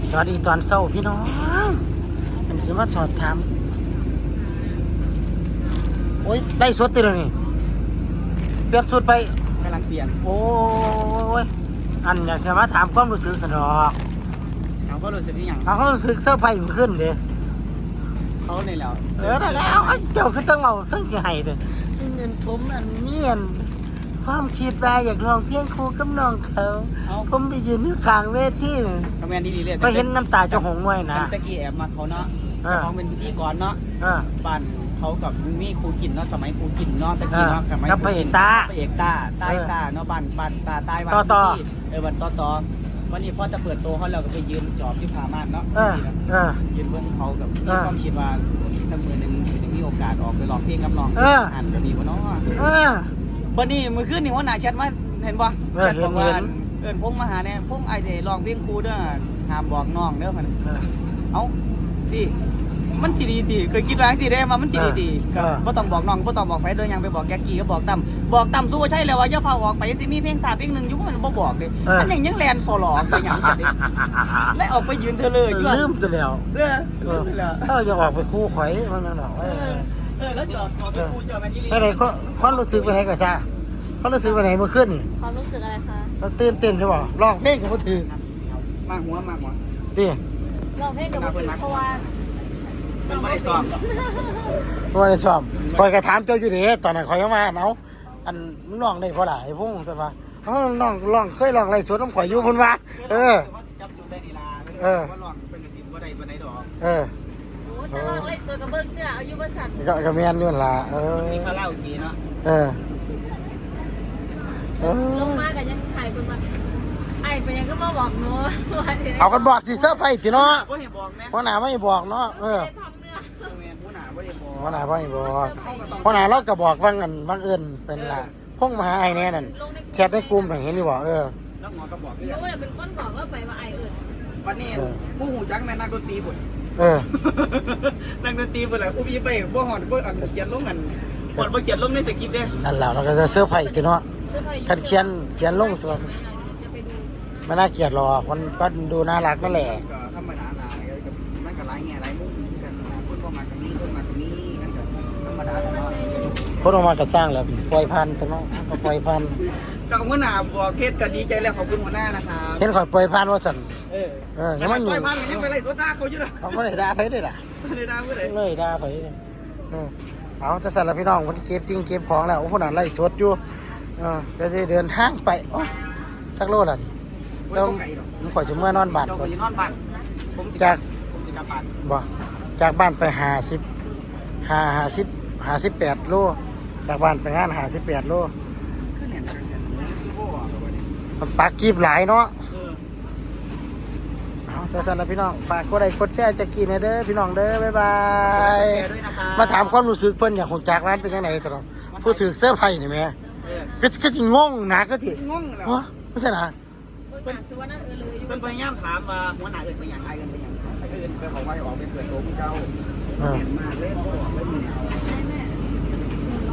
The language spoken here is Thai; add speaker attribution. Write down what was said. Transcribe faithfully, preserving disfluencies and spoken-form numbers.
Speaker 1: สวัสดีตอนเช้าพี่น้องอันนี้มาสอบถามโอ้ยได้สดติเลยนี่เปลี่ยนสุดไป
Speaker 2: กำลังเปลี่ยน
Speaker 1: โอ้ยอันอยากจะมาถามความรู้สึกสนอก
Speaker 2: เขาก็รู้สึกอย่าง
Speaker 1: เขารู้สึกเสื้อผ้าขึ้นเลย
Speaker 2: เขาเนี่ยแล้ว
Speaker 1: เออได้แล้วเจ้าคือต้องเอาซึ่งเสียหายเลยเงินผมอันเนียนความคิดว่าอยากลองเพียงครูกับน้องเขาผมไปยืนอยู่ข้างเวที
Speaker 2: คอมเมนต์ดีๆเลย
Speaker 1: ก็เห็นน้ำตาจะหงมวยนะ
Speaker 2: ตะกี้แอบมาเขาเนาะเขาเป็นพิธีกรเนาะบ้านเขากับมีครูกินเนาะสมัยครูกินเนาะตะกี้เนาะสมัย
Speaker 1: ไปเอกตา
Speaker 2: ไปเอกตาใต้ตาเนาะบ้านบ้านตาใต้บ้านที่เออวันต่อต่อวันนี้พ่อจะเปิดโตเขาเราก็ไปยืนจอบที่พามานเนาะยืนเบื้องเขากับมีความคิดว่าสักมือหนึ่งจะมีโอกาสออกไปร้องเพลงกับน้องอ่านแบบนี้วะเนาะวันนี้มือขึ้นนี่ว่าหนาชัดว่าเห็นป่ะ
Speaker 1: เห็นเห็น
Speaker 2: เอิญพุ่งมาหาเนี่ยพุ่งไอเดลองเพลงครูเด้อห้ามบอกน้องเด้อมันเอ้าสิมันสีดีดีเคยคิดว่าสิได้มามันสีดีดีก็บ่ต้องบอกน้องบ่ต้องบอกไฟเดินยังไปบอกแก๊กกี้ก็บอกตั้มบอกตั้มสู้ใช่แล้วว่าอย่าพาออกไปจะมีเพลงสาเพลงหนึ่งอยู่มันบ่บอกเลยอันนี้ยังแลนโซลอไปอย่างสัตว์และออกไปยืนเธอเลย
Speaker 1: ลืมจะแล้ว
Speaker 2: เออลืมแล้ว
Speaker 1: เอออย่าออกไปคู่ข่อยมันนั่นหรอก
Speaker 2: เออแล้วจะออกไปคู่เจอแมนนี่ลี
Speaker 1: อะไรก็ความรู้สึกเป็นไงกับจ้าความรู้สึกเป็นไงเมื่อคืนนี่
Speaker 3: ความรู้สึกอะไรคะ
Speaker 1: เราตื่นเต้นใช่ป่ะร้องเพลงกับเขาถือ
Speaker 2: มากหัวมากหัว
Speaker 1: ดิ
Speaker 3: ร้องเพลงกับเขาถือเพราะว่า
Speaker 2: มันไม่ได้ซ้อม
Speaker 1: ไม่ได้ซ้อมคอยกระถามเจ้าอยู่เด้ตอนนั้นคอยยังมาเนาะอันน้องได้เพราะหลายพุ่งใช่ป่ะเขาน้องร้องเคยร้องอะไรสวนน้ำข่อยอยู่พุ่นวะเออ
Speaker 2: เออว่าร้องเป็นกระสิบว่าใดว่าใดดอก
Speaker 1: เออ
Speaker 3: โอ้จะร้องอะไรสวนกับเบิ้งเนี่ยอายุบริษัท
Speaker 1: ก็ก็แม่นอยู่ล่ะเออ
Speaker 2: นี่เขาเล่าดีเนาะ
Speaker 1: เออ
Speaker 3: ลงมากันยังถ่ายคนมาไอ้ไปยังก็มาบอกเนาะ
Speaker 1: เอากันบอกสิเสื้อไผ่ติเนาะ
Speaker 2: พ่อ
Speaker 1: หนาไม่บอกเนาะเออพ่อหนาไม่บอกพ่อหนาเราก็บอกว่างกันว่างเอิญเป็นละพงมาหาไอ้แน่นั่นแชทในกลุ่มถึงเห็นดีบอกเออ
Speaker 2: แล้วหมอก็บอก
Speaker 3: รู้เนี่ยเป็นคนบอกว่าไปว่าไอ้เอิญ
Speaker 2: วันนี้ผู้หูจักแม่นักดนตรีบุญ
Speaker 1: เออ
Speaker 2: นักดนตรีบุญแหละผู้พี่ไปพวกหอดพวกอันเขียนลงกันหอดพวกเขียนลงในสคริปต์เนี่ย
Speaker 1: นั่นแหละเราก็จะเสื้อไผ่ติเนาะคันเขียนเขียนลงสิว่าไม่น่าเกลียดหรอกมันก็ดูน่ารักนั่นแหละ
Speaker 2: ธรรมดาหนามันก็หลายแง่หลายมุมกันคนก็มาตรงนี้คนมาตรงนี้นั่นก็ธรรมดาเนาะ
Speaker 1: คนออกมาก็สร้างแล้วปล่อยพันตัวน้องก็ปล่อยพัน
Speaker 2: กับหัวหน้าบอกเคสก็ดีใจแล้วขอบคุณหัวหน้านะครับ
Speaker 1: เห็นข่อยปล่อยพันว่าสั่น
Speaker 2: เออ
Speaker 1: เออยังไม่
Speaker 2: ปล่อยพันยังไปไล่โซดาเขาอยู่นะ
Speaker 1: เขาไม่ได้ด่าไปได้ล่ะ
Speaker 2: ไม่ได้ด่าไม่ได้
Speaker 1: เลยด่าไปเออเอาจะสั่นแล้วพี่น้องคนเก็บสิ่งเก็บของแล้วโอ้คนนั้นไล่ชดอยู่เออจะเดินทางไปโอ้ทักโลดอ่ะต้องผมขอจะเมื่อนอนบ้าน
Speaker 2: ก่อนนอนบ้าน
Speaker 1: จากบ่จากบ้านไปหาสิบหาหาสิบหาสิบแปดโลจากบ้านไปงานหาสิบแปดโลมันปักกีบหลายเนาะเอาจะสั่นแล้วพี่น้องฝากกดไลค์กดแชร์จะกินเด้อพี่น้องเด้อบ๊ายบายมาถามความรู้สึกเพิ่นอยากของจากร้านเป็นยังไงตลอดพูดถึงเสื้อไผ่นี่ไหมก็ก็จะงงนะก็จะ
Speaker 2: งงแล้ว
Speaker 1: ไม่ใช่นะ
Speaker 2: เป็นพยายามถามว่าหัวหน้าเอิญไปอย่างไรกันไปอย่างไรเอิญไปบอกว่าออกไปเปิดโต๊ะเจ้าเห็นมาเล่นก็บอกเล่นแนว